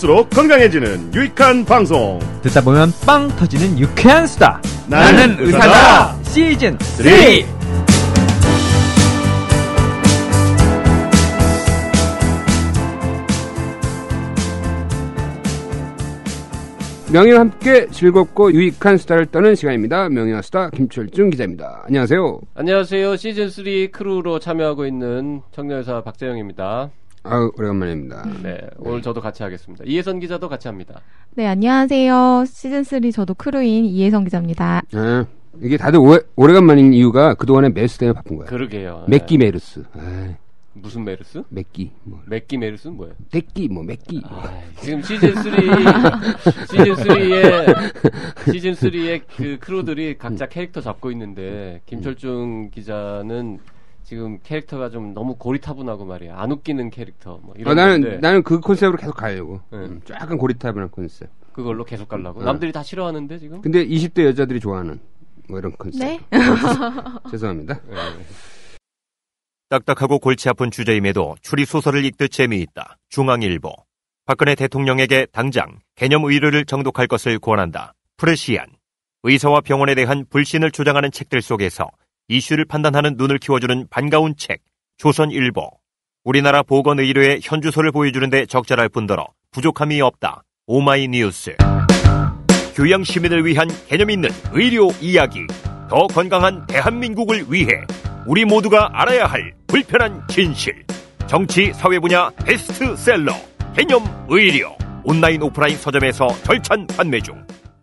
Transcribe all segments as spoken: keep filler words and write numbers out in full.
들을수록 건강해지는 유익한 방송. 듣다 보면 빵 터지는 유쾌한 수다. 나는, 나는 의사다. 의사다. 시즌 삼. 명예와 함께 즐겁고 유익한 수다를 떠는 시간입니다. 명예와 수다 김철중 기자입니다. 안녕하세요. 안녕하세요. 시즌 삼 크루로 참여하고 있는 청년의사 박재영입니다. 아유, 오래간만입니다. 네, 오늘 저도 같이 하겠습니다. 이혜선 기자도 같이 합니다. 네, 안녕하세요. 시즌 삼 저도 크루인 이혜선 기자입니다. 아, 이게 다들 오래, 오래간만인 이유가 그동안에 메르스 때문에 바쁜 거야. 그러게요. 맥기 네. 메르스. 아이. 무슨 메르스? 맥기. 뭐. 맥기 메르스는 뭐예요? 맥기, 뭐, 맥기. 아, 지금 시즌 삼, 시즌 삼의, 시즌 삼의 그 크루들이 각자 캐릭터 잡고 있는데, 김철중 기자는 지금 캐릭터가 좀 너무 고리타분하고 말이야. 안 웃기는 캐릭터. 뭐 이런 아, 나는, 건데, 나는 그 컨셉으로 계속 가려고. 네. 음, 약간 고리타분한 컨셉. 그걸로 계속 가려고. 네. 남들이 다 싫어하는데, 지금? 근데 이십 대 여자들이 좋아하는 뭐 이런 컨셉. 네. 죄송합니다. 네. 딱딱하고 골치 아픈 주제임에도 추리소설을 읽듯 재미있다. 중앙일보. 박근혜 대통령에게 당장 개념 의료를 정독할 것을 권한다. 프레시안. 의사와 병원에 대한 불신을 조장하는 책들 속에서 이슈를 판단하는 눈을 키워주는 반가운 책. 조선일보. 우리나라 보건의료의 현주소를 보여주는데 적절할 뿐더러 부족함이 없다. 오마이뉴스. 교양 시민을 위한 개념 있는 의료 이야기. 더 건강한 대한민국을 위해 우리 모두가 알아야 할 불편한 진실. 정치 사회 분야 베스트셀러 개념 의료. 온라인 오프라인 서점에서 절찬 판매 중.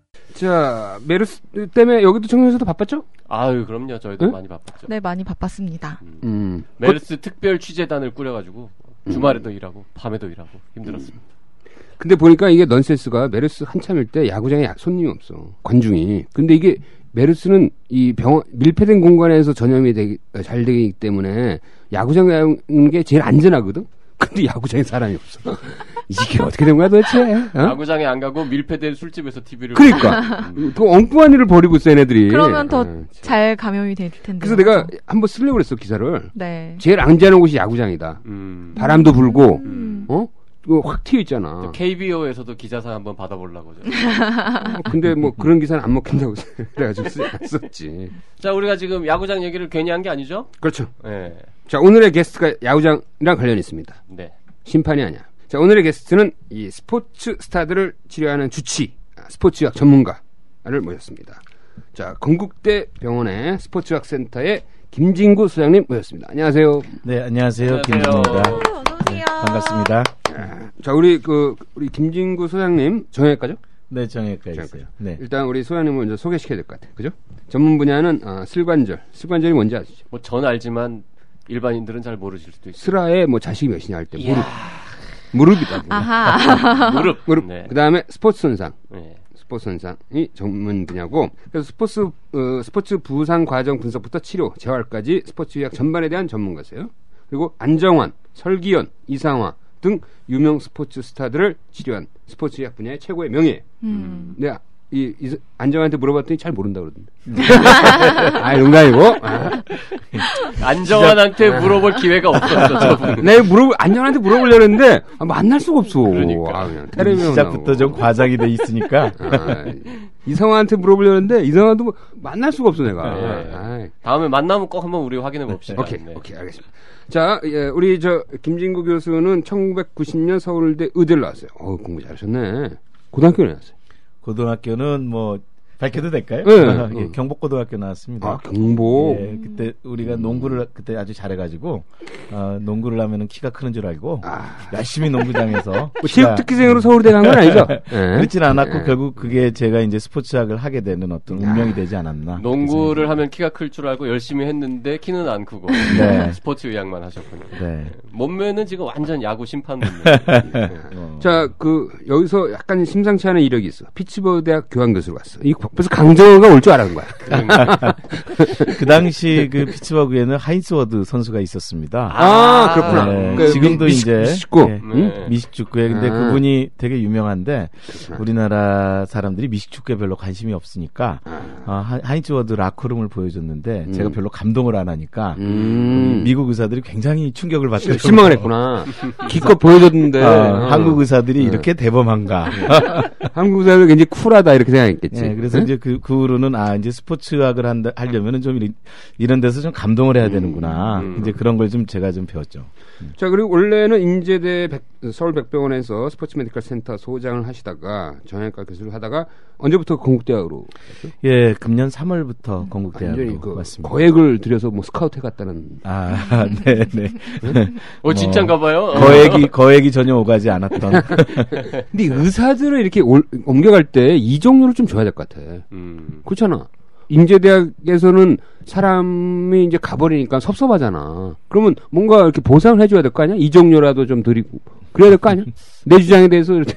자, 메르스 때문에 여기도 청년에서도 바빴죠? 아유, 그럼요. 저희도 응? 많이 바빴죠. 네, 많이 바빴습니다. 음. 음. 메르스 그, 특별 취재단을 꾸려가지고 주말에도 음. 일하고 밤에도 일하고 힘들었습니다. 음. 근데 보니까 이게 넌센스가 메르스 한참일 때 야구장에 약 손님이 없어. 관중이. 근데 이게 메르스는 이 병원 밀폐된 공간에서 전염이 되기, 잘 되기 때문에 야구장 가는 게 제일 안전하거든. 근데 야구장에 사람이 없어. 이게 어떻게 된 거야 도대체? 어? 야구장에 안 가고 밀폐된 술집에서 티비를. 그러니까 그 엉뚱한 일을 벌이고 있어 얘네들이. 그러면 더 잘 감염이 될 텐데. 그래서 내가 한번 쓰려고 그랬어 기사를. 네. 제일 안전한 곳이 야구장이다. 음. 바람도 불고, 음. 어? 이거 확 튀어 있잖아. 케이비오에서도 기자상 한번 받아보려고. 어, 근데 뭐 그런 기사는 안 먹힌다고 그래가지고 썼지. 자, 우리가 지금 야구장 얘기를 괜히 한 게 아니죠? 그렇죠. 네. 자, 오늘의 게스트가 야구장이랑 관련이 있습니다. 네. 심판이 아니야. 자, 오늘의 게스트는 이 스포츠 스타들을 치료하는 주치, 스포츠의학 전문가를 모셨습니다. 자, 건국대 병원의 스포츠의학 센터의 김진구 소장님 모셨습니다. 안녕하세요. 네, 안녕하세요. 안녕하세요. 김진구입니다. 어서오세요. 네, 반갑습니다. 자, 우리 그 우리 김진구 소장님 정형외과죠? 네, 정형외과 있어요. 네. 일단 우리 소장님을 먼저 소개시켜야 될 것 같아요. 그죠? 전문 분야는 어, 슬관절. 슬관절이 뭔지 아시죠? 뭐 전 알지만 일반인들은 잘 모르실 수도 있어요. 슬라에 뭐 자식이 몇이냐 할 때 무릎. 무릎이다. 아하. 무릎. 무릎. 네. 그다음에 스포츠 손상. 네. 스포츠 손상이 전문 분야고, 그래서 스포츠 어, 스포츠 부상 과정 분석부터 치료, 재활까지 스포츠 의학 전반에 대한 전문가세요. 그리고 안정환, 설기현, 이상화 등 유명 스포츠 스타들을 치료한 스포츠 의학 분야의 최고의 명예. 음. 내가 이, 이 안정환한테 물어봤더니 잘 모른다 그러던데. 아, 농담이고. 아. 안정환한테 물어볼 기회가 없었어. 저분. 내가 물어 안정환한테 물어보려는데 아, 만날 수가 없어. 그러니까. 아, 그냥 텔레비전 시작부터 좀 과장이 돼 있으니까. 아, 이성환한테 물어보려는데 이성환도 뭐 만날 수가 없어 내가. 네. 아, 다음에 만나면 꼭 한번 우리 확인해 봅시다. 오케이, 네. 오케이, 알겠습니다. 자, 예, 우리 저 김진구 교수는 천구백구십 년 서울대 의대를 나왔어요. 어, 공부 잘하셨네. 고등학교에 나왔어요. 고등학교는 뭐 밝혀도 될까요? 네. 예, 경복고등학교 나왔습니다. 아, 경복. 예, 그때 우리가 농구를 그때 아주 잘해가지고 어, 농구를 하면은 키가 크는 줄 알고 아. 열심히 농구장에서 뭐 체육특기생으로 서울대 간 건 아니죠? 네. 그렇진 않았고 네. 결국 그게 제가 이제 스포츠학을 하게 되는 어떤 운명이 되지 않았나. 농구를 하면 키가 클 줄 알고 열심히 했는데 키는 안 크고 네. 스포츠 의학만 하셨군요. 네. 몸매는 지금 완전 야구 심판 몸매. 네. 어. 자, 그 여기서 약간 심상치 않은 이력이 있어. 피츠버그 대학 교환 교수로 갔어. 이 벌써 강정호가 올 줄 알았는 거야. 그 당시 그 피츠버그에는 하인스 워드 선수가 있었습니다. 아, 그렇구나. 네, 그 지금도 미, 이제 미식구. 네, 네. 미식축구에 근데 아. 그분이 되게 유명한데 그렇구나. 우리나라 사람들이 미식축구에 별로 관심이 없으니까 어, 하- 하인츠 워드 라커룸을 보여줬는데 음. 제가 별로 감동을 안 하니까 음. 미국 의사들이 굉장히 충격을 받더라고요. 실망을 했구나. 기껏 보여줬는데. 어, 어. 한국 의사들이 네. 이렇게 대범한가. 한국 의사들 굉장히 쿨하다 이렇게 생각했겠지. 네, 그래서 응? 이제 그, 그 후로는 아 이제 스포츠학을 한다 하려면은 좀 이런, 이런 데서 좀 감동을 해야 되는구나. 음. 이제 그런 걸 좀 제가 좀 배웠죠. 자, 그리고 원래는 인제대 백- 서울백병원에서 스포츠 메디컬 센터 소장을 하시다가 정형외과 교수를 하다가 언제부터 건국대학으로 갔죠? 예, 금년 삼월부터 건국대학으로 완전히 그 왔습니다. 거액을 들여서 뭐 스카우트 해갔다는. 아, 네, 네. 어, 진짠가 봐요. 거액이 거액이 전혀 오가지 않았던. 근데 의사들을 이렇게 올- 옮겨갈 때 이적료를 좀 줘야 될 것 같아. 음. 그렇잖아. 인제대학에서는 사람이 이제 가버리니까 섭섭하잖아. 그러면 뭔가 이렇게 보상을 해줘야 될 거 아니야? 이적료라도 좀 드리고. 그래야 될 거 아니야? 내 주장에 대해서 이렇게.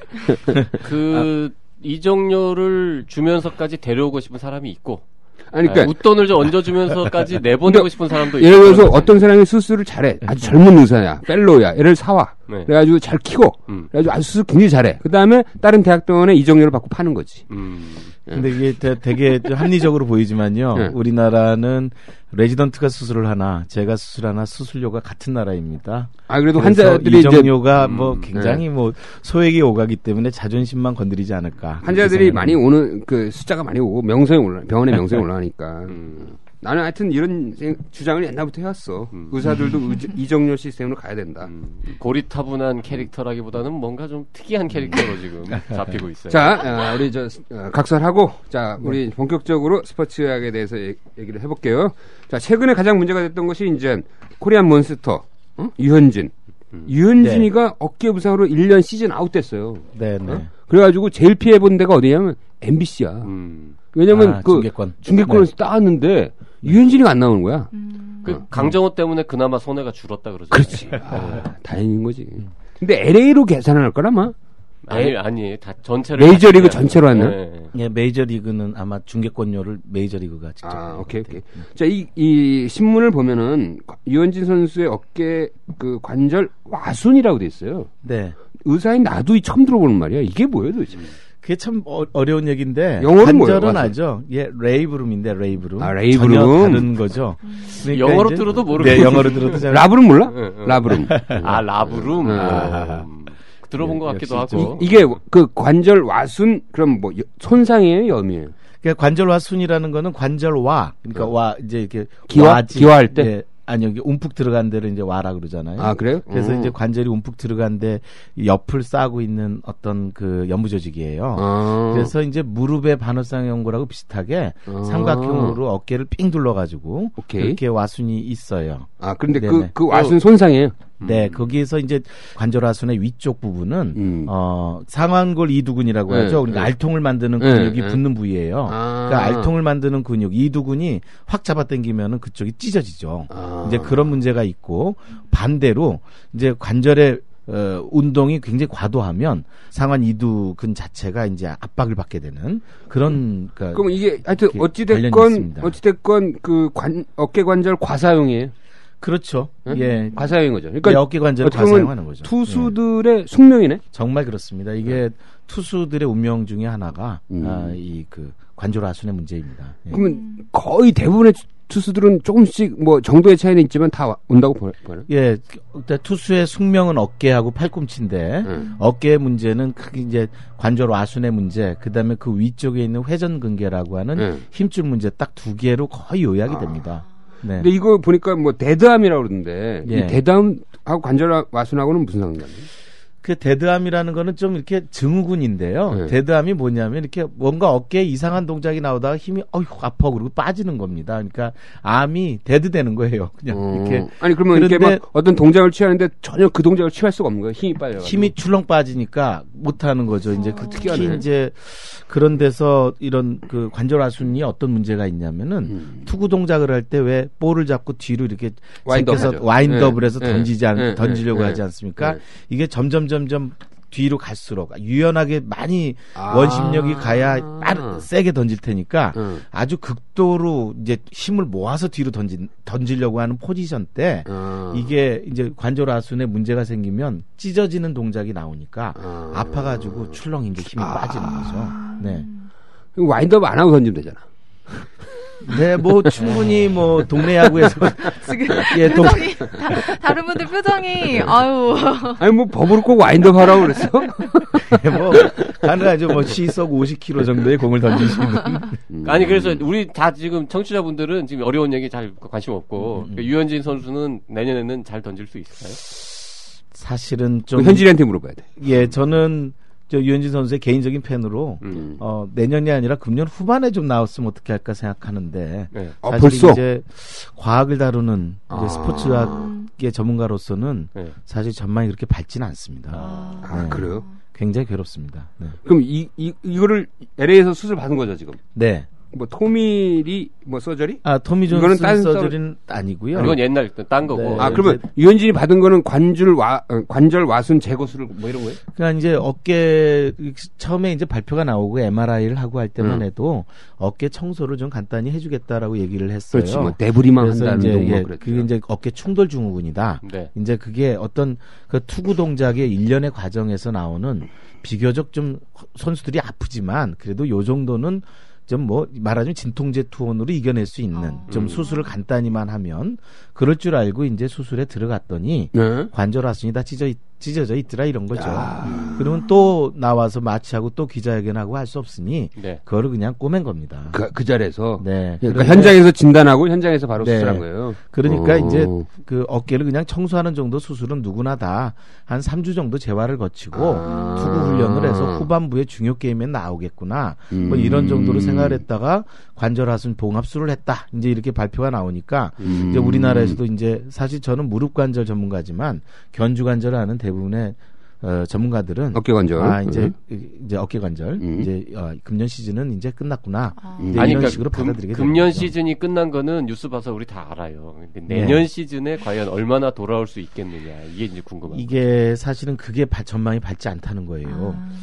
그 이적료를 주면서까지 데려오고 싶은 사람이 있고, 아니, 아, 그러니까. 웃돈을 좀 얹어주면서까지 내보내고 싶은 사람도 있고. 예를 들어서 그런 거지. 어떤 사람이 수술을 잘해. 아주 젊은 의사야. 펠로우야. 얘를 사와. 네. 그래가지고 잘 키고. 음. 그래가지고 아주 수술 굉장히 잘해. 그 다음에 다른 대학병원에 이적료를 받고 파는 거지. 음. 근데 이게 되- 되게 좀 합리적으로 보이지만요. 네. 우리나라는 레지던트가 수술을 하나, 제가 수술하나 수술료가 같은 나라입니다. 아, 그래도 그래서 환자들이 이제 이적료가 음, 뭐 굉장히 뭐 소액이 오가기 때문에 자존심만 건드리지 않을까. 환자들이 그렇게 많이 생각합니다. 오는 그 숫자가 많이 오고 명성이 올라 병원의 명성이 올라가니까 음. 나는 하여튼 이런 생- 주장을 옛날부터 해왔어. 음. 의사들도 의- 이적료 시스템으로 가야 된다. 음. 고리타분한 캐릭터라기보다는 뭔가 좀 특이한 캐릭터로 지금 잡히고 있어요. 자, 아, 우리 저 어, 각설하고 자 우리 본격적으로 스포츠학에 대해서 얘- 얘기를 해볼게요. 자, 최근에 가장 문제가 됐던 것이 이제 코리안 몬스터 어? 유현진. 음. 유현진이가 어깨 부상으로 일 년 시즌 아웃됐어요. 네, 네. 어? 그래가지고 제일 피해본 데가 어디냐면 엠비씨야. 음. 왜냐면 아, 그 중계권. 중계권에서 네. 따왔는데 유현진이가 안 나오는 거야. 음. 그 강정호 때문에 그나마 손해가 줄었다 그러죠. 그렇지. 아, 다행인 거지. 근데 엘에이로 계산할 거라마? 아니 아니 다 전체를 메이저리그 같이 전체로 해야 돼요. 하나? 네, 네. 예, 메이저리그는 아마 중계권료를 메이저리그가 직접. 아, 내는 오케이, 것 같아요. 오케이. 자, 이, 이 신문을 보면은 유현진 선수의 어깨 그 관절 와순이라고 돼 있어요. 네. 의사인 나도 이 처음 들어보는 말이야. 이게 뭐예요, 도대체? 그게 참 어, 어려운 얘기인데 영어로는 뭐예요, 관절은 와순? 알죠. 예, 레이브룸인데 레이브룸. 아, 레이브룸. 전혀 다른 거죠. 그러니까 영어로 이제- 들어도 모르겠- 네, 영어로 들어도 잘 라브룸 몰라? 응, 응. 라브룸. 아 라브룸. 음. 아. 음. 들어본 것 예, 같기도 역시 하고. 이, 게 그 관절 와순 그럼 뭐 여- 손상이에요, 염이에요? 그러니까 관절와순이라는 거는 관절와 그러니까 어. 와 이제 이렇게 기와? 와지. 기와할 때? 예, 아니 여기 움푹 들어간 데를 이제 와라 그러잖아요. 아, 그래요? 그래서 음. 이제 관절이 움푹 들어간데 옆을 싸고 있는 어떤 그 연부 조직이에요. 아. 그래서 이제 무릎의 반월상 연골하고 비슷하게 아. 삼각형으로 어깨를 삥 둘러가지고 오케이. 그렇게 와순이 있어요. 아, 그런데 그, 네네. 그 와순 손상이에요? 네, 거기에서 이제 관절하순의 위쪽 부분은 음. 어 상완골 이두근이라고 네, 하죠. 그러니까 네. 알통을 만드는 네, 근육이 네. 붙는 부위예요. 아. 그러니까 알통을 만드는 근육 이두근이 확 잡아당기면은 그쪽이 찢어지죠. 아. 이제 그런 문제가 있고 반대로 이제 관절의 어, 운동이 굉장히 과도하면 상완 이두근 자체가 이제 압박을 받게 되는 그런 그러니까 그럼 이게 하여튼 이렇게 어찌됐건 관련이 있습니다. 어찌됐건 그 관, 어깨 관절 과사용이에요. 그렇죠. 응? 예. 과사용인 거죠. 그러니까 예, 어깨 관절을 어떻게 보면 과사용하는 거죠. 예. 투수들의 숙명이네. 정말 그렇습니다. 이게 투수들의 운명 중에 하나가 음. 아, 이 그 관절하순의 문제입니다. 예. 그러면 거의 대부분의 투수들은 조금씩 뭐 정도의 차이는 있지만 다 와- 온다고 보나? 예, 일단 투수의 숙명은 어깨하고 팔꿈치인데 응. 어깨의 문제는 크게 이제 관절 와순의 문제, 그다음에 그 위쪽에 있는 회전근개라고 하는 응. 힘줄 문제 딱 두 개로 거의 요약이 됩니다. 네. 근데 이거 보니까 뭐 데드암이라고 그러던데 예. 이 데드암하고 관절 와순하고는 무슨 상관이에요? 그 데드암이라는 거는 좀 이렇게 증후군인데요. 네. 데드암이 뭐냐면 이렇게 뭔가 어깨에 이상한 동작이 나오다가 힘이 어휴 아파 그러고 빠지는 겁니다. 그러니까 암이 데드되는 거예요. 그냥 어. 이렇게 아니 그러면 이렇게 그런데- 막 어떤 동작을 취하는데 전혀 그 동작을 취할 수가 없는 거예요. 힘이 빠져. 힘이 출렁 빠지니까 못 하는 거죠. 이제 그 특히 특이하네. 이제 그런 데서 이런 그 관절하순이 어떤 문제가 있냐면은 음. 투구 동작을 할 때 왜 볼을 잡고 뒤로 이렇게 와인드업 제껴서 하죠. 와인드업을 네. 해서 네. 던지지 않, 네. 던지려고 네. 하지 않습니까? 네. 이게 점점 점점 뒤로 갈수록 유연하게 많이 아. 원심력이 가야 빠르, 세게 던질 테니까 응. 아주 극도로 이제 힘을 모아서 뒤로 던진 던지려고 하는 포지션 때 어. 이게 이제 관절하순에 문제가 생기면 찢어지는 동작이 나오니까 아. 아파가지고 출렁인 게 힘이 빠지는 거죠. 네. 와인드업 안 하고 던지면 되잖아. 네, 뭐 충분히 뭐 동네 야구에서 지금 예, 동- 표정이 다, 다른 분들 표정이 아유 아니 뭐 법으로 꼭 와인드업 하라고 그랬어? 뭐 가능하죠. 뭐 시속 오십 킬로미터 정도의 공을 던지시는. 음. 아니 그래서 우리 다 지금 청취자분들은 지금 어려운 얘기 잘 관심 없고 음, 음. 그러니까 유현진 선수는 내년에는 잘 던질 수 있을까요? 사실은 좀 현진이한테 물어봐야 돼. 예, 저는 저 유현진 선수의 개인적인 팬으로 음. 어, 내년이 아니라 금년 후반에 좀 나왔으면 어떻게 할까 생각하는데 네. 아, 사실 벌써? 이제 과학을 다루는 이제 아. 스포츠학의 전문가로서는 네. 사실 전망이 그렇게 밝지는 않습니다. 아, 네. 그래요? 굉장히 괴롭습니다. 네. 그럼 이, 이, 이거를 엘에이에서 수술 받은 거죠, 지금? 네. 뭐, 토밀이, 뭐, 서저리? 아, 토미 이거는 존슨 딴 서저리는 아니고요. 이건 옛날 딴 거고. 네. 아, 네, 그러면 유현진이 받은 거는 관절 와, 어, 관절 와순 제거술을 뭐 이런 거예요? 그러니까 이제 어깨 처음에 이제 발표가 나오고 엠알아이를 하고 할 때만 음. 해도 어깨 청소를 좀 간단히 해주겠다라고 얘기를 했어요. 그렇지, 뭐, 내부리만 그래서 한다는 이제 동뭐 예, 그랬죠. 그게 이제 어깨 충돌 증후군이다. 네. 이제 그게 어떤 그 투구 동작의 일련의 과정에서 나오는 비교적 좀 선수들이 아프지만 그래도 요 정도는 좀 뭐 말하자면 진통제 투혼으로 이겨낼 수 있는 어. 좀 수술을 간단히만 하면 그럴 줄 알고 이제 수술에 들어갔더니 네. 관절 화순이 다 찢어 있- 찢어져 있더라 이런 거죠. 야. 그러면 또 나와서 마취하고 또 기자회견하고 할 수 없으니 네. 그거를 그냥 꼬맨 겁니다. 그, 그 자리에서. 네. 그러니까 그런데- 현장에서 진단하고 현장에서 바로 네. 수술한 거예요. 그러니까 어. 이제 그 어깨를 그냥 청소하는 정도 수술은 누구나 다 한 삼 주 정도 재활을 거치고 아. 투구 훈련을 해서 후반부에 중요 게임에 나오겠구나. 뭐 이런 정도로 음. 생각을 했다가 관절 하순 봉합술을 했다. 이제 이렇게 발표가 나오니까 음. 이제 우리나라에서도 이제 사실 저는 무릎 관절 전문가지만 견주 관절을 아는 대부분의 어, 전문가들은 어깨 관절. 아 이제 음. 이제 어깨 관절 음. 이제 어, 금년 시즌은 이제 끝났구나. 아. 음. 이제 아니 이런 그러니까 식으로 금, 받아들이게 금년 되는 거죠. 시즌이 끝난 거는 뉴스 봐서 우리 다 알아요. 근데 네. 내년 시즌에 과연 얼마나 돌아올 수 있겠느냐 이게 이제 궁금한 이게 사실은 그게 바- 전망이 밝지 않다는 거예요. 아.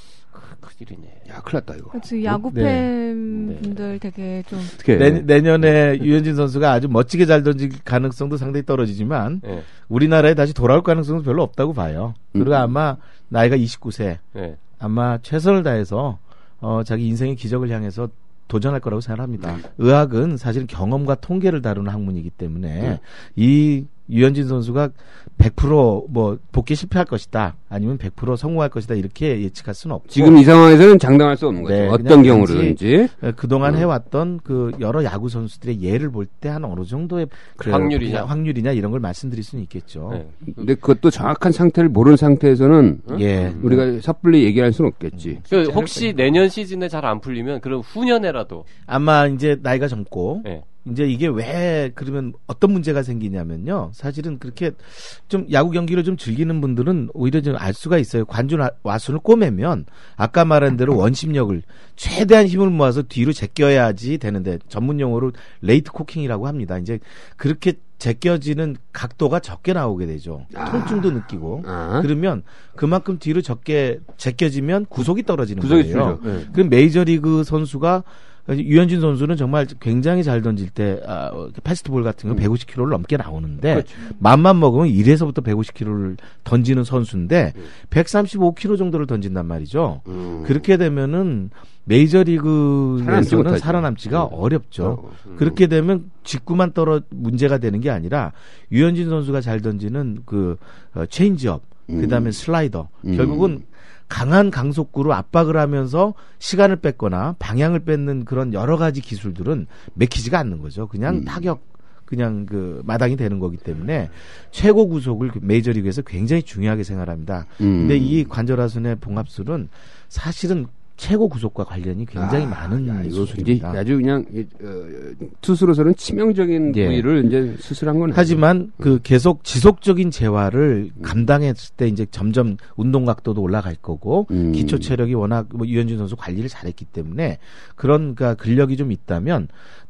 큰일이네. 야, 큰일 났다, 이거. 그렇지 야구 네. 팬 네. 분들 되게 좀 어떻게. 내, 내년에 유현진 선수가 아주 멋지게 잘 던질 가능성도 상당히 떨어지지만 네. 우리나라에 다시 돌아올 가능성은 별로 없다고 봐요. 그리고 음. 아마 나이가 이십구 세 네. 아마 최선을 다해서 어, 자기 인생의 기적을 향해서 도전할 거라고 생각합니다. 의학은 사실 경험과 통계를 다루는 학문이기 때문에 음. 이 유현진 선수가 백 퍼센트 뭐 복귀 실패할 것이다 아니면 백 퍼센트 성공할 것이다 이렇게 예측할 수는 없고 지금 이 상황에서는 장담할 수 없는 거죠. 네, 어떤 그냥 경우든지. 어, 그동안 음. 해왔던 그 여러 야구 선수들의 예를 볼 때 한 어느 정도의 그 확률이냐. 확률이냐 이런 걸 말씀드릴 수는 있겠죠. 네. 근데 그것도 정확한 상태를 모르는 상태에서는 어? 예. 우리가 섣불리 얘기할 수는 없겠지. 그 혹시 내년 시즌에 잘 안 풀리면 그럼 후년에라도 아마 이제 나이가 젊고 네. 이제 이게 왜 그러면 어떤 문제가 생기냐면요. 사실은 그렇게 좀 야구 경기를 좀 즐기는 분들은 오히려 좀 알 수가 있어요. 관중 와순을 꼬매면 아까 말한 대로 원심력을 최대한 힘을 모아서 뒤로 제껴야지 되는데 전문 용어로 레이트 코킹이라고 합니다. 이제 그렇게 제껴지는 각도가 적게 나오게 되죠. 통증도 느끼고. 아. 그러면 그만큼 뒤로 적게 제껴지면 구속이 떨어지는 구석이 거예요. 줄죠. 네. 그럼 메이저리그 선수가 유현진 선수는 정말 굉장히 잘 던질 때 아, 패스트볼 같은 거 백오십 킬로미터를 넘게 나오는데 그렇죠. 맘만 먹으면 일에서부터 백오십 킬로미터를 던지는 선수인데 백삼십오 킬로미터 정도를 던진단 말이죠. 음. 그렇게 되면은 살아남지 메이저리그에서는 못하죠. 살아남지가 음. 어렵죠. 어, 음. 그렇게 되면 직구만 떨어 문제가 되는 게 아니라 유현진 선수가 잘 던지는 그 어, 체인지업, 음. 그다음에 슬라이더, 음. 결국은 강한 강속구로 압박을 하면서 시간을 뺏거나 방향을 뺏는 그런 여러 가지 기술들은 맥히지가 않는 거죠. 그냥 음. 타격, 그냥 그 마당이 되는 거기 때문에 최고 구속을 메이저리그에서 굉장히 중요하게 생각합니다. 음. 근데 이 관절하순의 봉합술은 사실은 최고 구속과 관련이 굉장히 아, 많은 야, 이거 수술입니다. 이제 아주 그냥 이, 어, 투수로서는 치명적인 예. 부위를 이제 수술한 거네. 하지만 그 계속 지속적인 재활을 감당했을 때 이제 점점 운동 각도도 올라갈 거고 음. 기초 체력이 워낙 뭐 유현진 선수 관리를 잘했기 때문에 그런 그 근력이 좀 있다면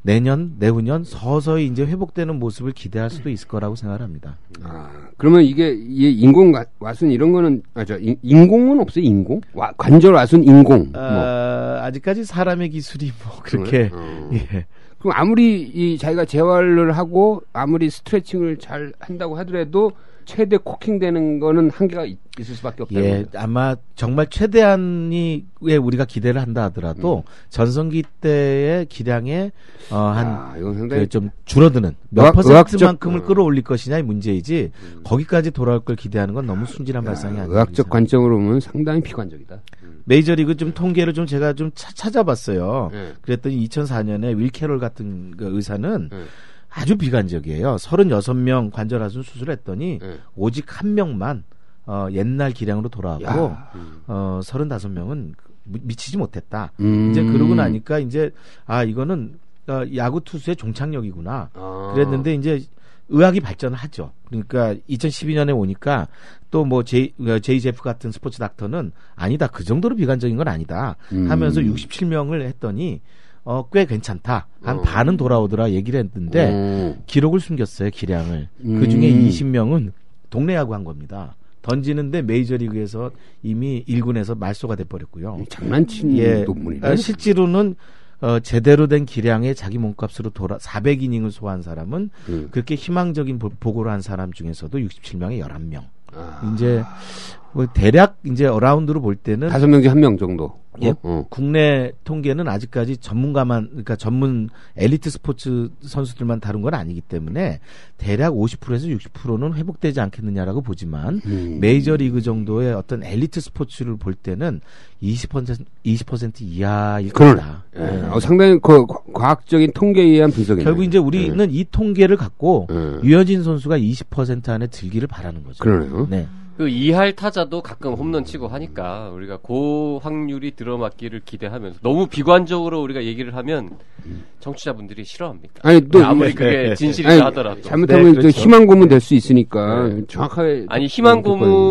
내년 내후년 서서히 이제 회복되는 모습을 기대할 수도 있을 거라고 생각합니다. 아, 그러면 이게 이 인공 와- 와순 이런 거는 아저 인공은 없어요. 인공 와, 관절 와순 인공. 뭐. 아, 아직까지 사람의 기술이 뭐 그렇게 어. 예. 그럼 아무리 이 자기가 재활을 하고 아무리 스트레칭을 잘 한다고 하더라도 최대 코킹되는 거는 한계가 있, 있을 수밖에 없다. 예, 아마 정말 최대한이 왜 우리가 기대를 한다 하더라도 음. 전성기 때의 기량에 어, 한 좀 줄어드는 몇 의학, 퍼센트만큼을 의학적, 끌어올릴 것이냐의 문제이지 음. 거기까지 돌아올 걸 기대하는 건 너무 순진한 야, 발상이 아니에요. 의학적 관점으로 보면 상당히 비관적이다. 음. 메이저리그 좀 통계를 좀 제가 좀 차, 찾아봤어요. 네. 그랬더니 이천사 년에 윌 캐롤 같은 그 의사는 네. 아주 비관적이에요. 서른여섯 명 관절 하순 수술했더니 네. 오직 한 명만 어, 옛날 기량으로 돌아왔고 음. 어, 서른다섯 명은 미치지 못했다. 음. 이제 그러고 나니까 이제 아 이거는 어, 야구 투수의 종착역이구나. 아. 그랬는데 이제 의학이 발전을 하죠. 그러니까 이천십이 년에 오니까 또 뭐 제이, 제이 제프 같은 스포츠 닥터는 아니다. 그 정도로 비관적인 건 아니다. 음. 하면서 육십칠 명을 했더니 어, 꽤 괜찮다. 한 어. 반은 돌아오더라 얘기를 했는데 어. 기록을 숨겼어요. 기량을. 음. 그중에 이십 명은 동네 야구 한 겁니다. 던지는데 메이저리그에서 이미 일 군에서 말소가 돼버렸고요. 장난친 예, 논문이네. 어, 실제로는 어, 제대로 된 기량의 자기 몸값으로 돌아 사백 이닝을 소화한 사람은 음. 그렇게 희망적인 보, 보고를 한 사람 중에서도 육십칠 명에 열한 명. 아. 이제 뭐 대략 이제 어라운드로 볼 때는 다섯 명 중 한 명 정도. 예, 어? 어. 국내 통계는 아직까지 전문가만, 그러니까 전문 엘리트 스포츠 선수들만 다룬 건 아니기 때문에 대략 오십 퍼센트에서 육십 퍼센트는 회복되지 않겠느냐라고 보지만 음. 메이저리그 정도의 어떤 엘리트 스포츠를 볼 때는 이십 퍼센트, 이십 퍼센트 이하일 그러네. 거다. 예. 네. 어, 상당히 그 과학적인 통계에 의한 분석이네. 결국 이제 우리는 네. 이 통계를 갖고 네. 유현진 선수가 이십 퍼센트 안에 들기를 바라는 거죠. 그러네요. 네. 그 이할 타자도 가끔 홈런 치고 하니까 우리가 고 확률이 들어맞기를 기대하면서 너무 비관적으로 우리가 얘기를 하면 청취자분들이 싫어합니다. 아니 또 아무리 그게 진실이라 아니, 하더라도 잘못하면 네, 저 그렇죠. 희망 고문 될 수 있으니까 네. 정확하게 아니 희망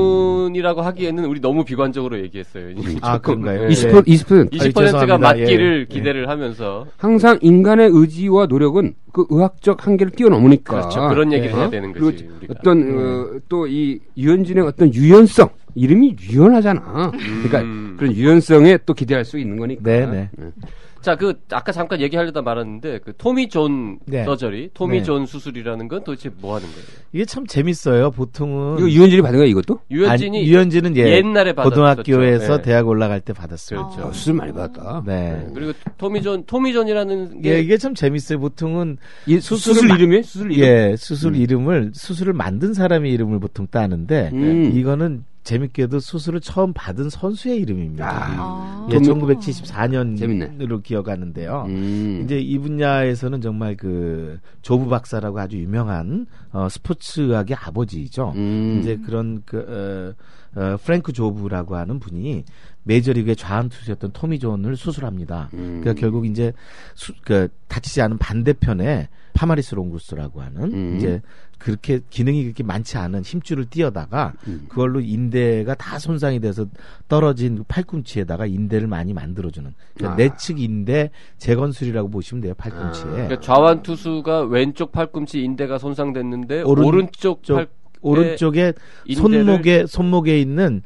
고문이라고 하기에는 우리 너무 비관적으로 얘기했어요. 아, 그런가요? 이십 네. 퍼센트 이십 퍼센트 이십 퍼센트가 죄송합니다. 맞기를 예. 기대를 하면서 항상 인간의 의지와 노력은 그 의학적 한계를 뛰어넘으니까 그렇죠. 그런 얘기를 네. 해야 되는 그리고 거지. 우리가. 어떤 어, 또 이 유현진의 어떤 유연성 이름이 유연하잖아. 그러니까 음. 그런 유연성에 또 기대할 수 있는 거니까. 네, 네. 자, 그 아까 잠깐 얘기하려다 말았는데 그 토미 존 네. 서저리, 토미 네. 존 수술이라는 건 도대체 뭐 하는 거예요? 이게 참 재밌어요. 보통은 이거 유현진이 받은 거야 이것도? 유현진이 아니, 유현진은 예, 옛날에 받았었죠. 고등학교에서 네. 대학 올라갈 때 받았어요. 그렇죠. 어, 수술 많이 받았다. 네. 그리고 토미 존, 토미 존이라는 게 예, 이게 참 재밌어요. 보통은 이 수술을 수술 마- 이름이 수술 이름. 예, 수술 음. 이름을 수술을 만든 사람의 이름을 보통 따는데 음. 이거는 재밌게도 수술을 처음 받은 선수의 이름입니다. 아. 예, 좀- 천구백칠십사 년으로 재밌네. 기억하는데요. 음. 이제 이 분야에서는 정말 그 조부 박사라고 아주 유명한 어, 스포츠학의 아버지이죠. 음. 이제 그런 그 어, 어, 프랭크 조브라고 하는 분이 메이저리그의 좌완 투수였던 토미 존을 수술합니다. 음. 그러니까 결국 이제 수, 그 다치지 않은 반대편에 파마리스 롱구스라고 하는 음. 이제 그렇게 기능이 그렇게 많지 않은 힘줄을 띄어다가 음. 그걸로 인대가 다 손상이 돼서 떨어진 팔꿈치에다가 인대를 많이 만들어주는 그러니까 아. 내측 인대 재건술이라고 보시면 돼요 팔꿈치에. 그러니까 좌완 투수가 왼쪽 팔꿈치 인대가 손상됐는데 오른- 오른쪽 쪽- 팔 오른쪽에 인대를- 손목에 손목에 있는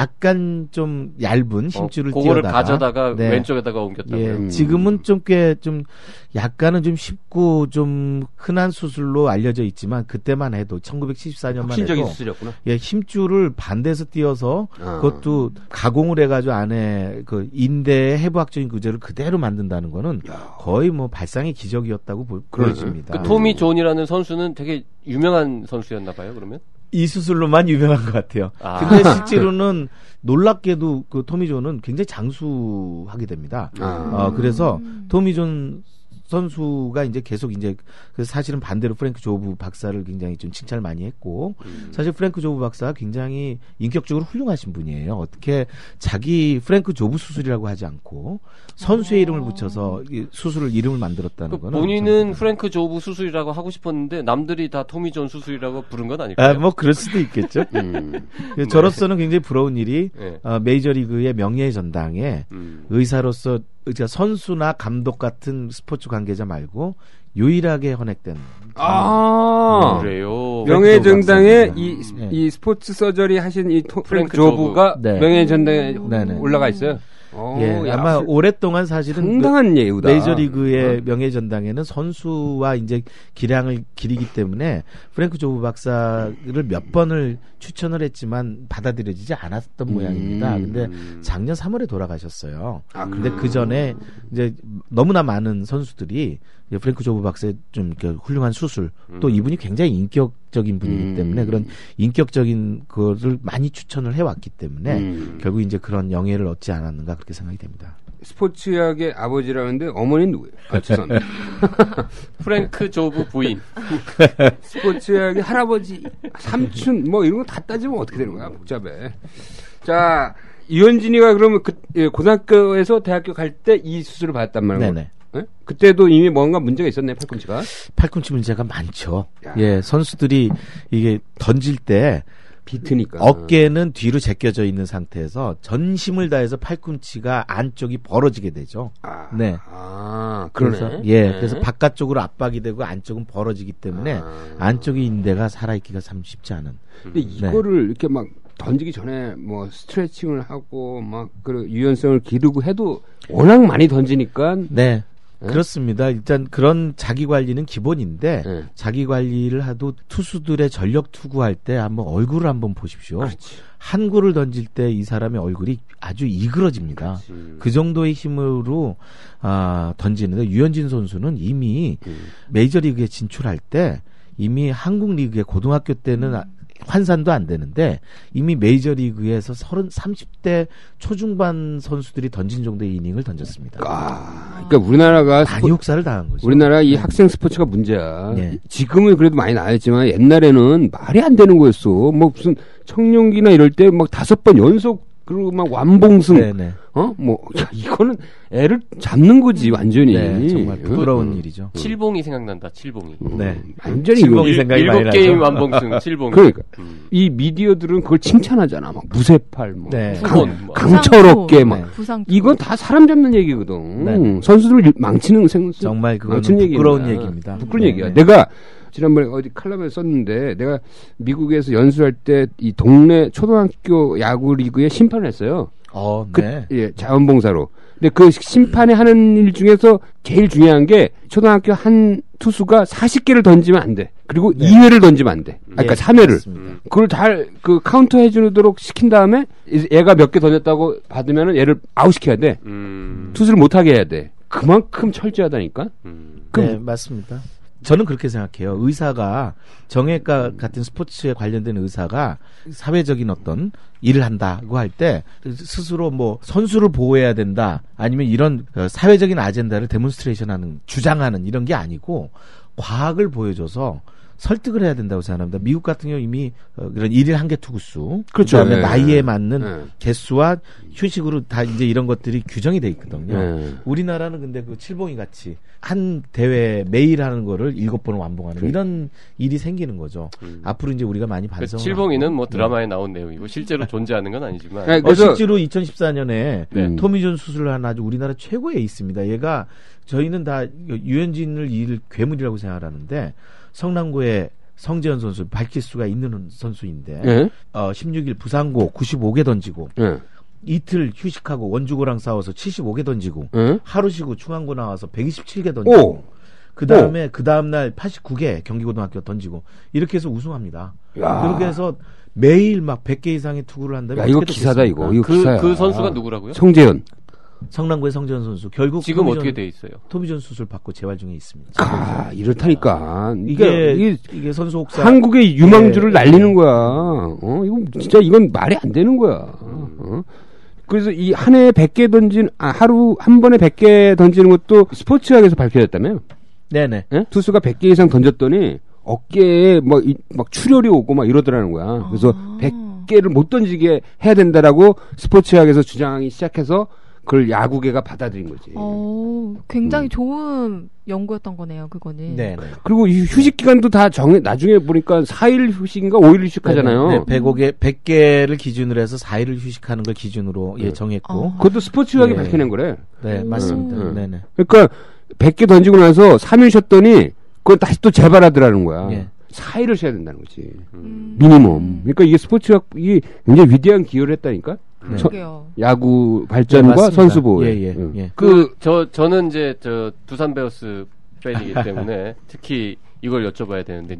약간 좀 얇은 힘줄을 어, 그거를 띄어다가 가져다가 네. 왼쪽에다가 옮겼다고요. 예, 음. 지금은 좀 꽤 좀 약간은 좀 쉽고 좀 흔한 수술로 알려져 있지만 그때만 해도 천구백칠십사 년만 혁신적인 해도 수술이었구나. 예, 힘줄을 반대에서 띄어서 아. 그것도 가공을 해가지고 안에 그 인대의 해부학적인 구조를 그대로 만든다는 거는 거의 뭐 발상의 기적이었다고 보, 그러네. 보여집니다. 그 토미 존이라는 선수는 되게 유명한 선수였나 봐요. 그러면 이 수술로만 유명한 것 같아요. 아. 근데 실제로는 놀랍게도 그 토미 존은 굉장히 장수하게 됩니다. 아. 어, 그래서 토미 존 선수가 이제 계속 이제 그 사실은 반대로 프랭크 조브 박사를 굉장히 좀 칭찬을 많이 했고 음. 사실 프랭크 조브 박사가 굉장히 인격적으로 훌륭하신 분이에요. 어떻게 자기 프랭크 조브 수술이라고 하지 않고 선수의 이름을 붙여서 이 수술을 이름을 만들었다는 그 거는 본인은 프랭크 조브 수술이라고 하고 싶었는데 남들이 다 토미 존 수술이라고 부른 건 아닐까요? 아, 뭐 그럴 수도 있겠죠. 음. 그 저로서는 굉장히 부러운 일이 네. 어, 메이저리그의 명예의 전당에 음. 의사로서 그러니까 선수나 감독 같은 스포츠 관계자 말고 유일하게 헌액된 아. 그래요. 명예정당에 박사입니다. 이, 네. 이 스포츠 서저리 하신 이 토, 프랭크 프랭크 조브가 네. 명예전당에 네네. 올라가 있어요. 어, 예, 야, 아마 오랫동안 사실은 상당한 예우다. 메이저리그의 어. 명예전당에는 선수와 이제 기량을 기리기 때문에 프랭크 조브 박사를 몇 번을 추천을 했지만 받아들여지지 않았던 음. 모양입니다. 근데 작년 삼월에 돌아가셨어요. 아, 근데 그 전에 이제 너무나 많은 선수들이 이제 프랭크 조브 박사의 좀 이렇게 훌륭한 수술, 또 이분이 굉장히 인격적인 분이기 음. 때문에 그런 인격적인 거를 많이 추천을 해왔기 때문에 음. 결국 이제 그런 영예를 얻지 않았는가 그렇게 생각이 됩니다. 스포츠학의 아버지라는데 어머니는 누구예요? 아, 죄송합니다. 프랭크 조브 부인. 스포츠학의 할아버지, 삼촌 뭐 이런 거 다 따지면 어떻게 되는 거야? 복잡해. 자, 이현진이가 그러면 그 예, 고등학교에서 대학교 갈 때 이 수술을 받았단 말이에요. 네네. 예? 그때도 이미 뭔가 문제가 있었네, 팔꿈치가. 팔꿈치 문제가 많죠. 야. 예, 선수들이 이게 던질 때 비트니까. 어깨는 뒤로 제껴져 있는 상태에서 전심을 다해서 팔꿈치가 안쪽이 벌어지게 되죠. 아, 네. 아, 그러네. 그래서 예, 네. 그래서 바깥쪽으로 압박이 되고 안쪽은 벌어지기 때문에 아. 안쪽의 인대가 살아있기가 참 쉽지 않은. 근데 이거를 이렇게 막 던지기 전에 뭐 스트레칭을 하고 막 그 유연성을 기르고 해도 워낙 많이 던지니까 네. 네? 그렇습니다. 일단 그런 자기 관리는 기본인데 네. 자기 관리를 하도 투수들의 전력 투구할 때 한번 얼굴을 한번 보십시오. 그렇지. 한 구를 던질 때 이 사람의 얼굴이 아주 이그러집니다. 그렇지. 그 정도의 힘으로 아, 던지는데 유현진 선수는 이미 음. 메이저리그에 진출할 때 이미 한국 리그에 고등학교 때는 아- 환산도 안 되는데 이미 메이저리그에서 서른 삼십 대 초중반 선수들이 던진 정도의 이닝을 던졌습니다. 아, 그러니까 우리나라가 많이 스포, 혹사를 당한 거죠. 우리나라 이 학생 스포츠가 문제야. 네. 지금은 그래도 많이 나아졌지만 옛날에는 말이 안 되는 거였어. 뭐 무슨 청룡기나 이럴 때 막 다섯 번 연속 그리고 막 완봉승. 네네. 어? 뭐 야, 이거는 애를 잡는 거지 완전히. 네, 정말 부끄러운 응? 일이죠. 칠봉이 생각난다. 칠봉이. 음, 네. 완전히 칠봉이 이거- 생각이 많이 일곱 나죠. 게임 완봉승 칠봉. 그러니까 음. 이 미디어들은 그걸 칭찬하잖아. 막 무쇠팔, 뭐 네. 후원. 뭐. 강철없게 막. 네. 부상. 이건 다 사람 잡는 얘기거든. 네. 선수들을 망치는 생수. 정말 그거는 망치는 얘기야. 부끄러운 얘기입니다. 부끄러운 네, 얘기야. 네. 내가 지난번에 어디 칼럼에 썼는데 내가 미국에서 연수할 때 이 동네 초등학교 야구 리그에 심판을 했어요. 어, 그, 네. 예, 자원봉사로. 근데 그 심판에 하는 일 중에서 제일 중요한 게 초등학교 한 투수가 사십 개를 던지면 안 돼. 그리고 네. 이 회를 던지면 안 돼. 아, 그러니까 예, 삼 회를. 맞습니다. 그걸 잘 그 카운터 해주도록 시킨 다음에 이- 얘가 몇 개 던졌다고 받으면은 얘를 아웃시켜야 돼. 음. 투수를 못하게 해야 돼. 그만큼 철저하다니까. 음. 네, 맞습니다. 저는 그렇게 생각해요. 의사가 정형외과 같은 스포츠에 관련된 의사가 사회적인 어떤 일을 한다고 할 때 스스로 뭐 선수를 보호해야 된다 아니면 이런 어, 사회적인 아젠다를 데몬스트레이션하는 주장하는 이런 게 아니고 과학을 보여줘서 설득을 해야 된다고 생각합니다. 미국 같은 경우 이미 어, 그런 일일 한개 투구수, 그렇죠. 그다음에 예. 나이에 맞는 예. 개수와 휴식으로 다 이제 이런 것들이 규정이 돼 있거든요. 예. 우리나라는 근데 그 칠봉이 같이 한 대회 매일 하는 거를 일곱 번을 완봉하는 그래. 이런 일이 생기는 거죠. 음. 앞으로 이제 우리가 많이 그 반성을 칠봉이는 하고. 뭐 드라마에 나온 내용이고 실제로 존재하는 건 아니지만. 네, 어, 그래서- 실제로 이천십사 년에 네. 토미존 수술을 한 아주 우리나라 최고의 에이스입니다. 얘가 저희는 다 유현진을 일 괴물이라고 생각하는데 성남고의 성재현 선수 밝힐 수가 있는 선수인데 예. 어, 십육 일 부상고 구십오 개 던지고 예. 이틀 휴식하고 원주고랑 싸워서 칠십오 개 던지고 예. 하루 쉬고 중앙고 나와서 백이십칠 개 던지고 오. 그 다음에 그 다음 날 팔십구 개 경기고등학교 던지고 이렇게 해서 우승합니다. 야. 그렇게 해서 매일 막 백 개 이상의 투구를 한다면 야, 이거 어떻게 기사다, 됐습니까? 이거. 이거 그, 기사야. 그 선수가 누구라고요? 성재현. 성남고의 성재현 선수 결국 지금 토미존- 어떻게 돼 있어요? 토미존 수술 받고 재활 중에 있습니다. 아, 이렇다니까. 이게 이게, 이게, 선수 혹사 한국의 유망주를 예. 날리는 거야. 어, 이건 진짜 이건 말이 안 되는 거야. 어? 그래서 이 한 해에 백 개 던진, 아, 하루 한 번에 백 개 던지는 것도 스포츠학에서 밝혀졌다며요. 네네. 예? 투수가 백 개 이상 던졌더니 어깨에 뭐, 이, 막 출혈이 오고 막 이러더라는 거야. 그래서 아. 백 개를 못 던지게 해야 된다라고 스포츠학에서 주장하기 시작해서 그걸 야구계가 받아들인 거지. 어, 굉장히 음. 좋은 연구였던 거네요, 그거는. 네네. 그리고 이 휴식 기간도 다 정해, 나중에 보니까 사 일 휴식인가 오 일 휴식하잖아요. 네, 백오 개, 백 개를 기준으로 해서 사 일을 휴식하는 걸 기준으로 예, 네. 정했고. 아. 그것도 스포츠학이 예. 밝혀낸 거래. 네, 맞습니다. 음. 네네. 그러니까 백 개 던지고 나서 삼 일 쉬었더니 그걸 다시 또 재발하더라는 거야. 예. 사 일을 쉬어야 된다는 거지. 음. 미니멈. 그러니까 이게 스포츠학이 굉장히 위대한 기여를 했다니까. 네. 서, 그러게요. 야구 발전과 네, 선수 보호. 예, 예, 응. 예. 그 저 저는 이제 저 두산 베어스 팬이기 때문에 특히 이걸 여쭤봐야 되는데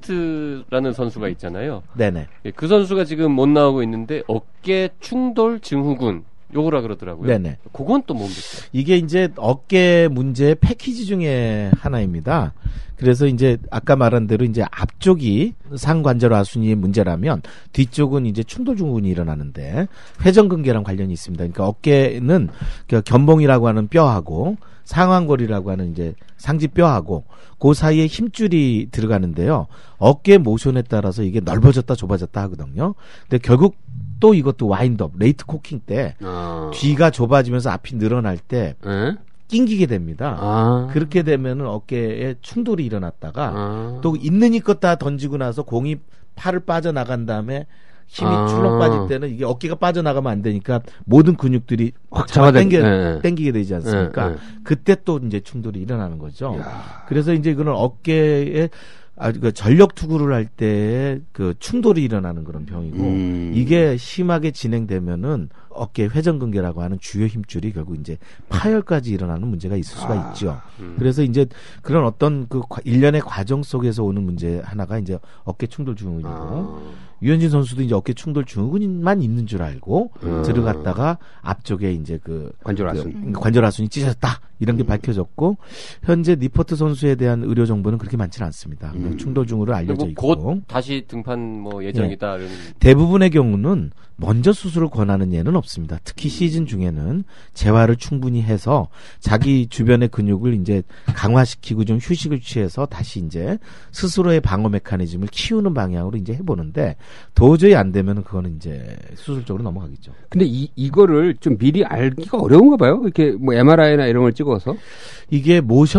니퍼트라는 선수가 있잖아요. 네네. 예, 그 선수가 지금 못 나오고 있는데 어깨 충돌 증후군 요거라 그러더라고요. 네네. 그건 또 뭡니까? 이게 이제 어깨 문제의 패키지 중에 하나입니다. 그래서 이제 아까 말한 대로 이제 앞쪽이 상관절하순이의 문제라면 뒤쪽은 이제 충돌 증후군이 일어나는데 회전근개랑 관련이 있습니다. 그러니까 어깨는 그 견봉이라고 하는 뼈하고 상완골이라고 하는 이제 상지뼈하고 그 사이에 힘줄이 들어가는데요. 어깨 모션에 따라서 이게 넓어졌다 좁아졌다 하거든요. 근데 결국 또 이것도 와인드업, 레이트 코킹 때 아. 뒤가 좁아지면서 앞이 늘어날 때 에? 낑기게 됩니다. 아. 그렇게 되면은 어깨에 충돌이 일어났다가 아. 또 있는 힘껏 다 던지고 나서 공이 팔을 빠져나간 다음에 힘이 아. 출렁 빠질 때는 이게 어깨가 빠져나가면 안 되니까 모든 근육들이 확 잡아 잡아당- 당겨, 네. 당기게 되지 않습니까? 네, 네. 그때 또 이제 충돌이 일어나는 거죠. 야. 그래서 이제 이거는 어깨에 아, 그 전력 투구를 할 때 그 충돌이 일어나는 그런 병이고 음. 이게 심하게 진행되면은 어깨 회전근개라고 하는 주요 힘줄이 결국 이제 파열까지 일어나는 문제가 있을 수가 아. 있죠. 음. 그래서 이제 그런 어떤 그 과- 일련의 과정 속에서 오는 문제 하나가 이제 어깨 충돌 증후군이고 아. 유현진 선수도 이제 어깨 충돌 증후군만 있는 줄 알고 음. 들어갔다가 앞쪽에 이제 그 관절하순. 그 관절하순이 찢어졌다 이런 게 음. 밝혀졌고 현재 니퍼트 선수에 대한 의료 정보는 그렇게 많지는 않습니다. 음. 충돌 증후로 알려져 그리고 있고 곧 다시 등판 뭐 예정이다. 이런. 대부분의 경우는 먼저 수술을 권하는 예는 없습니다. 특히 시즌 중에는 재활을 충분히 해서 자기 주변의 근육을 이제 강화시키고 좀 휴식을 취해서 다시 이제 스스로의 방어 메커니즘을 키우는 방향으로 이제 해보는데 도저히 안 되면 그거는 이제 수술적으로 넘어가겠죠. 근데 이, 이거를 좀 미리 알기가 어려운가 봐요? 이렇게 뭐 엠알아이나 이런 걸 찍어서. 이게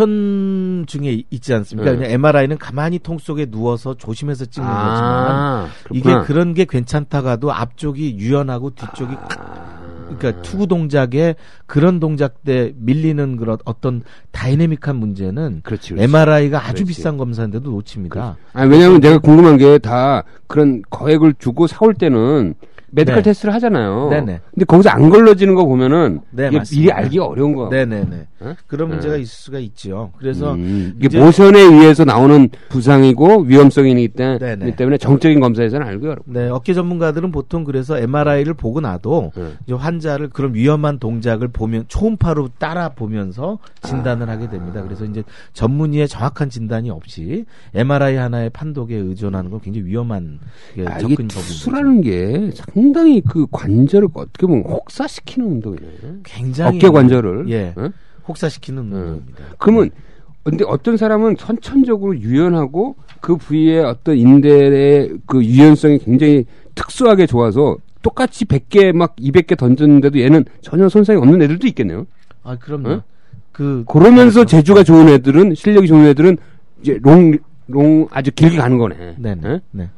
모션 중에 있지 않습니까? 네. 그냥 엠알아이는 가만히 통 속에 누워서 조심해서 찍는 거지만 아, 이게 그렇구나. 그런 게 괜찮다가도 앞쪽이 유연하고 뒤쪽이 아. 그러니까 투구 동작에 그런 동작 때 밀리는 그런 어떤 다이내믹한 문제는 그렇지, 그렇지. 엠알아이가 아주 그렇지. 비싼 검사인데도 놓칩니다. 아니, 왜냐면 내가 궁금한 게 다 그런 거액을 주고 사올 때는 메디컬 네. 테스트를 하잖아요. 네네. 근데 거기서 안 걸러지는 거 보면은 네, 이게 맞습니다. 미리 알기가 어려운 거. 네네네. 어? 그런 문제가 네. 있을 수가 있죠. 그래서 음, 이게 이제- 모션에 의해서 나오는 부상이고 위험성이기 때- 네네. 때문에 정적인 검사에서는 알기 어렵고. 네, 어깨 전문가들은 보통 그래서 엠알아이를 보고 나도 네. 이제 환자를 그런 위험한 동작을 보면 초음파로 따라 보면서 진단을 하게 됩니다. 그래서 이제 전문의의 정확한 진단이 없이 엠알아이 하나의 판독에 의존하는 건 굉장히 위험한 예, 아, 이게 접근 투수라는 게 상당히 그 관절을 어떻게 보면 혹사시키는 운동이네. 굉장히 어깨 관절을. 예 어? 혹사시키는 네. 운동입니다. 그러면 근데 어떤 사람은 선천적으로 유연하고 그 부위의 어떤 인대의 그 유연성이 굉장히 특수하게 좋아서 똑같이 백 개 막 이백 개 던졌는데도 얘는 전혀 손상이 없는 애들도 있겠네요. 아 그럼요. 어? 그 그러면서 재주가 좋은 애들은 실력이 좋은 애들은 이제 롱, 롱 아주 길게 가는 거네. 네네. 어? 네.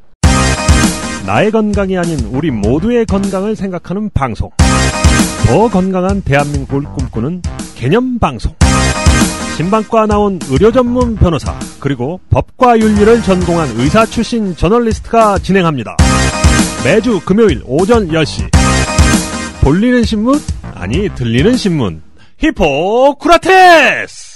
나의 건강이 아닌 우리 모두의 건강을 생각하는 방송. 더 건강한 대한민국을 꿈꾸는 개념 방송. 신방과 나온 의료 전문 변호사 그리고 법과 윤리를 전공한 의사 출신 저널리스트가 진행합니다. 매주 금요일 오전 열 시. 볼리는 신문? 아니 들리는 신문. 히포크라테스!